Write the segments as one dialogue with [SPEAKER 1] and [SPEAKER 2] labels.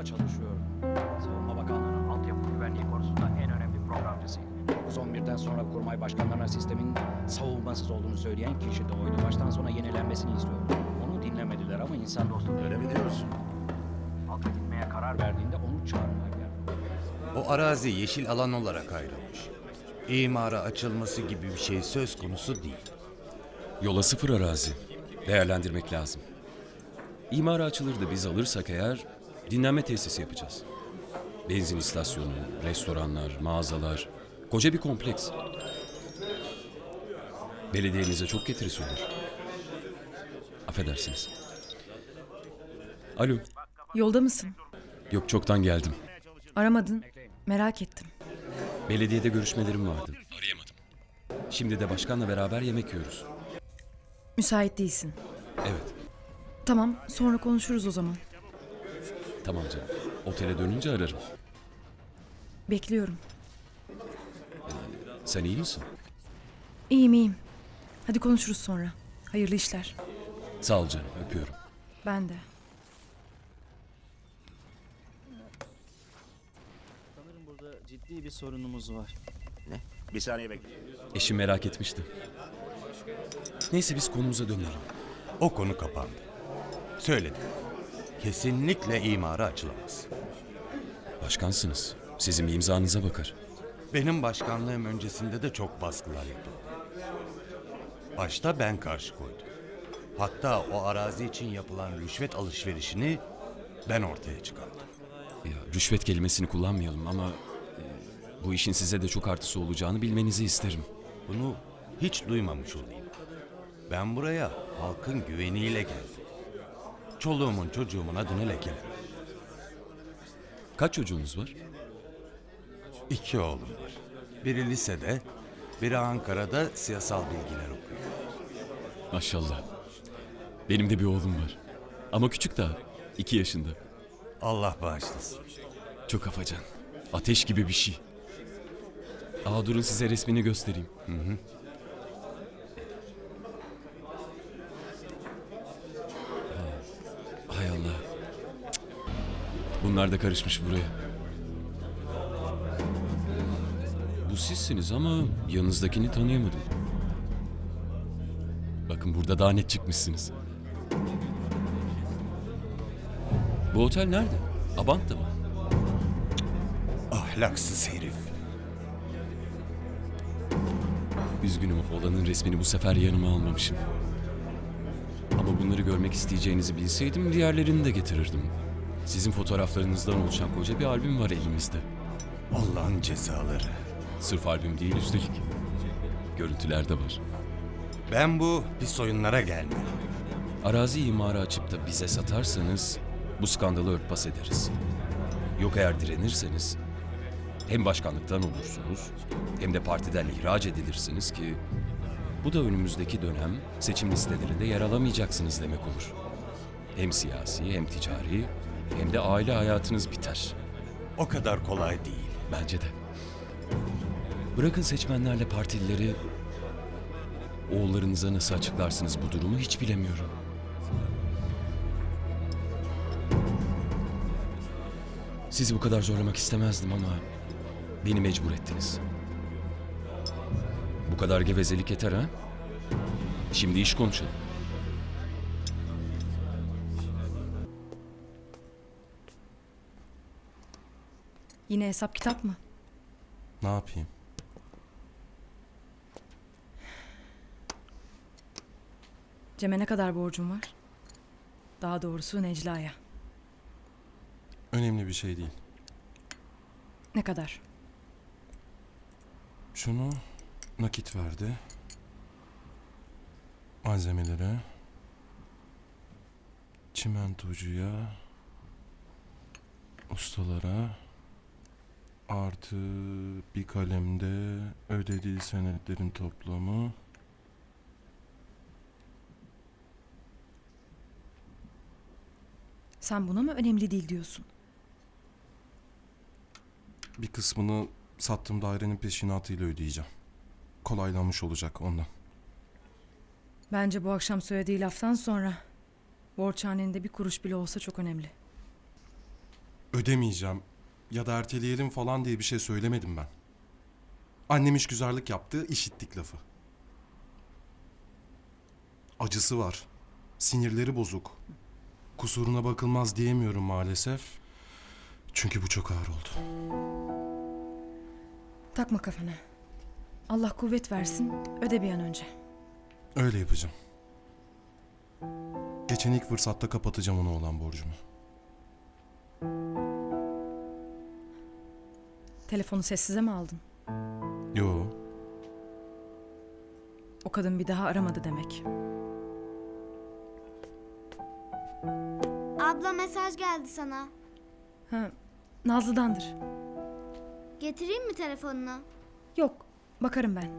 [SPEAKER 1] Orada çalışıyorum.
[SPEAKER 2] Savunma Bakanlığı'nın altyapı güvenliği konusunda en önemli programcısıyım.
[SPEAKER 1] 9-11'den sonra kurmay başkanlarına sistemin savunmasız olduğunu söyleyen kişi de oydu. Baştan sona yenilenmesini istiyordu. Onu dinlemediler ama insan dostu
[SPEAKER 3] Öyle mi diyorsun?
[SPEAKER 2] Halka gitmeye karar
[SPEAKER 1] verdiğinde onu çağırmaya geldi.
[SPEAKER 3] O arazi yeşil alan olarak ayrılmış. İmara açılması gibi bir şey söz konusu değil.
[SPEAKER 4] Yola sıfır arazi. Değerlendirmek lazım. İmara açılır da biz alırsak eğer dinlenme tesisi yapacağız. Benzin istasyonu, restoranlar, mağazalar. Koca bir kompleks. Belediyenize çok getirisi olur. Affedersiniz. Alo.
[SPEAKER 5] Yolda mısın?
[SPEAKER 4] Yok, çoktan geldim.
[SPEAKER 5] Aramadın. Merak ettim.
[SPEAKER 4] Belediyede görüşmelerim vardı. Arayamadım. Şimdi de başkanla beraber yemek yiyoruz.
[SPEAKER 5] Müsait değilsin.
[SPEAKER 4] Evet.
[SPEAKER 5] Tamam, sonra konuşuruz o zaman.
[SPEAKER 4] Tamam canım. Otele dönünce ararım.
[SPEAKER 5] Bekliyorum.
[SPEAKER 4] Sen iyi misin?
[SPEAKER 5] İyiyim, iyiyim. Hadi konuşuruz sonra. Hayırlı işler.
[SPEAKER 4] Sağ ol canım. Öpüyorum.
[SPEAKER 5] Ben de.
[SPEAKER 6] Sanırım burada ciddi bir sorunumuz var.
[SPEAKER 3] Bir saniye bekle.
[SPEAKER 4] Eşim merak etmişti. Neyse biz konumuza dönelim.
[SPEAKER 3] O konu kapandı. Söyledim. Kesinlikle imara açılamaz.
[SPEAKER 4] Başkansınız. Sizin bir imzanıza bakar.
[SPEAKER 3] Benim başkanlığım öncesinde de çok baskılar yapıldı. Başta ben karşı koydum. Hatta o arazi için yapılan rüşvet alışverişini ben ortaya çıkardım.
[SPEAKER 4] Ya, rüşvet kelimesini kullanmayalım ama bu işin size de çok artısı olacağını bilmenizi isterim.
[SPEAKER 3] Bunu hiç duymamış olayım. Ben buraya halkın güveniyle geldim. Çoluğumun çocuğumun adını lekelemem.
[SPEAKER 4] Kaç çocuğunuz var?
[SPEAKER 3] 2 oğlum var. Biri lisede, biri Ankara'da siyasal bilgiler okuyor.
[SPEAKER 4] Maşallah. Benim de bir oğlum var. Ama küçük daha. 2 yaşında.
[SPEAKER 3] Allah bağışlasın.
[SPEAKER 4] Çok afacan. Ateş gibi bir şey. Durun size resmini göstereyim. Hay Allah. Cık. Bunlar da karışmış buraya. Bu sizsiniz ama yanınızdakini tanıyamadım. Bakın burada daha net çıkmışsınız. Bu otel nerede? Abant'ta mı?
[SPEAKER 3] Ahlaksız herif.
[SPEAKER 4] Üzgünüm, oğlanın resmini bu sefer yanıma almamışım. Ama bunları görmek isteyeceğinizi bilseydim diğerlerini de getirirdim. Sizin fotoğraflarınızdan oluşan koca bir albüm var elimizde.
[SPEAKER 3] Allah'ın cezaları.
[SPEAKER 4] Sırf albüm değil üstelik. Görüntüler de var.
[SPEAKER 3] Ben bu pis oyunlara gelmiyorum.
[SPEAKER 4] Arazi imarı açıp da bize satarsanız bu skandalı örtbas ederiz. Yok eğer direnirseniz hem başkanlıktan olursunuz hem de partiden ihraç edilirsiniz ki bu da önümüzdeki dönem seçim listelerinde yer alamayacaksınız demek olur. Hem siyasi hem ticari hem de aile hayatınız biter.
[SPEAKER 3] O kadar kolay değil.
[SPEAKER 4] Bence de. Bırakın seçmenlerle partilileri, oğullarınıza nasıl açıklarsınız bu durumu hiç bilemiyorum. Sizi bu kadar zorlamak istemezdim ama beni mecbur ettiniz. Bu kadar gevezelik yeter ha? Şimdi iş konuşalım.
[SPEAKER 5] Yine hesap kitap mı?
[SPEAKER 7] Ne yapayım?
[SPEAKER 5] Cem'e ne kadar borcum var? Daha doğrusu Necla'ya.
[SPEAKER 7] Önemli bir şey değil.
[SPEAKER 5] Ne kadar?
[SPEAKER 7] Şunu nakit verdi. Malzemelere. Çimentocuya. Ustalara. Artı bir kalemde ödediği senetlerin toplamı.
[SPEAKER 5] Sen buna mı önemli değil diyorsun?
[SPEAKER 7] Bir kısmını sattığım dairenin peşinatıyla ödeyeceğim. Kolaylanmış olacak ondan.
[SPEAKER 5] Bence bu akşam söylediği laftan sonra borçhanende bir kuruş bile olsa çok önemli.
[SPEAKER 7] ödemeyeceğim ya da erteleyelim falan diye bir şey söylemedim ben. Annem işgüzarlık yaptı, işittik lafı. Acısı var. Sinirleri bozuk. Kusuruna bakılmaz diyemiyorum maalesef. Çünkü bu çok ağır oldu.
[SPEAKER 5] Takma kafana. Allah kuvvet versin, öde bir an önce.
[SPEAKER 7] Öyle yapacağım. Geçen ilk fırsatta kapatacağım ona olan borcumu.
[SPEAKER 5] Telefonu sessize mi aldın?
[SPEAKER 7] Yo,
[SPEAKER 5] O kadın bir daha aramadı demek.
[SPEAKER 8] Abla mesaj geldi sana.
[SPEAKER 5] Ha, Nazlı'dandır.
[SPEAKER 8] Getireyim mi telefonunu?
[SPEAKER 5] Yok, bakarım ben.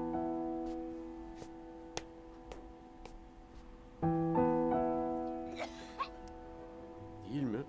[SPEAKER 9] Değil mi?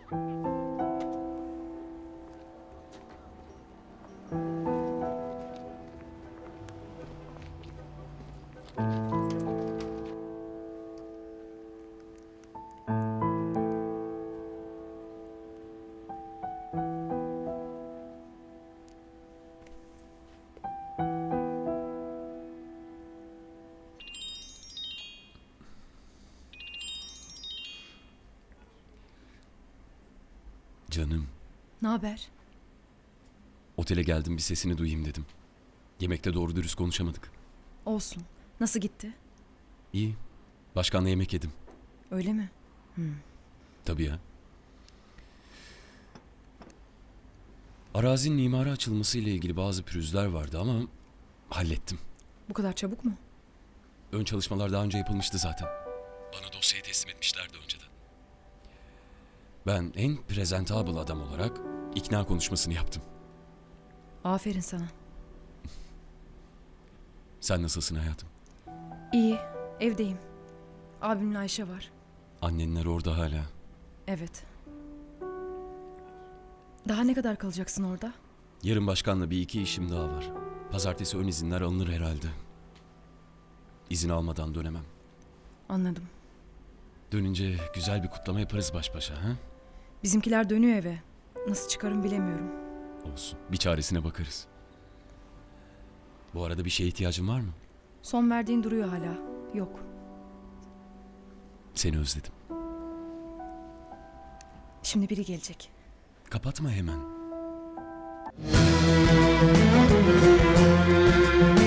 [SPEAKER 4] Canım,
[SPEAKER 5] Ne haber?
[SPEAKER 4] otele geldim bir sesini duyayım dedim. Yemekte doğru dürüst konuşamadık.
[SPEAKER 5] Olsun. Nasıl gitti?
[SPEAKER 4] İyi, başkanla yemek yedim.
[SPEAKER 5] Öyle mi?
[SPEAKER 4] Tabii ya. Arazinin imara açılması ile ilgili bazı pürüzler vardı ama hallettim.
[SPEAKER 5] Bu kadar çabuk mu?
[SPEAKER 4] Ön çalışmalar daha önce yapılmıştı zaten. Bana dosyayı teslim etmişlerdi önceden. Ben en presentable adam olarak ikna konuşmasını yaptım.
[SPEAKER 5] Aferin sana.
[SPEAKER 4] Sen nasılsın hayatım?
[SPEAKER 5] İyi, evdeyim. Abimle Ayşe var.
[SPEAKER 4] Annenler orada hala.
[SPEAKER 5] Evet. Daha ne kadar kalacaksın orada?
[SPEAKER 4] Yarın başkanla bir iki işim daha var. Pazartesi ön izinler alınır herhalde. İzin almadan dönemem.
[SPEAKER 5] Anladım.
[SPEAKER 4] Dönünce güzel bir kutlama yaparız baş başa, ha?
[SPEAKER 5] Bizimkiler dönüyor eve. Nasıl çıkarım bilemiyorum.
[SPEAKER 4] Olsun. Bir çaresine bakarız. Bu arada bir şeye ihtiyacın var mı?
[SPEAKER 5] Son verdiğin duruyor hala. Yok.
[SPEAKER 4] Seni özledim.
[SPEAKER 5] Şimdi biri gelecek.
[SPEAKER 4] Kapatma hemen.